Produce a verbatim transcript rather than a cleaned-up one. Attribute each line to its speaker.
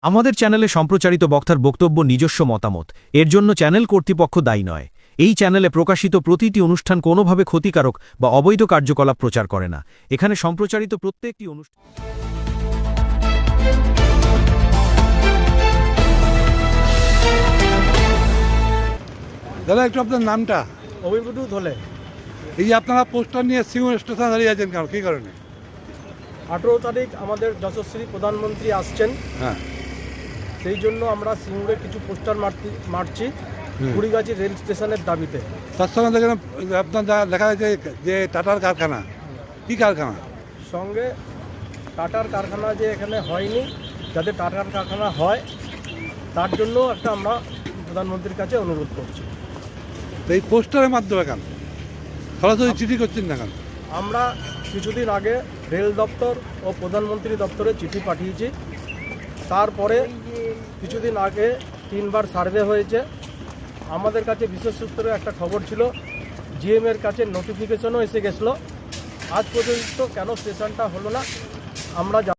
Speaker 1: আমাদের চ্যানেলে সম্প্রচারিত বক্তার বক্তব্য নিজস্ব মতামত, এর জন্য চ্যানেল কর্তৃপক্ষ দায়ী নয়। এই চ্যানেলে প্রকাশিত প্রতিটি অনুষ্ঠান কোনোভাবে ক্ষতিকারক বা অবৈধ কার্যকলাপ প্রচার করে না। এখানে সম্প্রচারিত প্রত্যেকটি অনুষ্ঠান
Speaker 2: দাদা একটু আপনার নামটা?
Speaker 3: অভিবুদ্ধ ধলে।
Speaker 2: এই যে আপনারা পোস্টার নিয়ে সিঙ্গুর স্টেশনে দাঁড়িয়ে আছেন কেন, কী কারণে?
Speaker 3: আঠেরো তারিখ আমাদের যশস্বী প্রধানমন্ত্রী আসছেন,
Speaker 2: হ্যাঁ,
Speaker 3: সেই জন্য আমরা সিঙ্গুরে কিছু পোস্টার মারছি মারছি কুড়িগাছি রেল স্টেশনের দাবিতে।
Speaker 2: তার সঙ্গে দেখেন আপনার যা লেখা আছে যে টাটার কারখানা, কী কারখানা?
Speaker 3: সঙ্গে টাটার কারখানা যে এখানে হয়নি, যাতে টাটার কারখানা হয় তার জন্য একটা আমরা প্রধানমন্ত্রীর কাছে অনুরোধ করছি।
Speaker 2: তো এই পোস্টারের মাধ্যমে কেন সরাসরি চিঠি করছেন না কেন?
Speaker 3: আমরা কিছুদিন আগে রেল দপ্তর ও প্রধানমন্ত্রী দপ্তরে চিঠি পাঠিয়েছি। তারপরে কিছুদিন আগে তিনবার সার্ভে হয়েছে। আমাদের কাছে বিশেষ সূত্রে একটা খবর ছিল, জিএমের কাছে নোটিফিকেশনও এসে গেছিলো। আজ পর্যন্ত কেন স্টেশনটা হলো না আমরা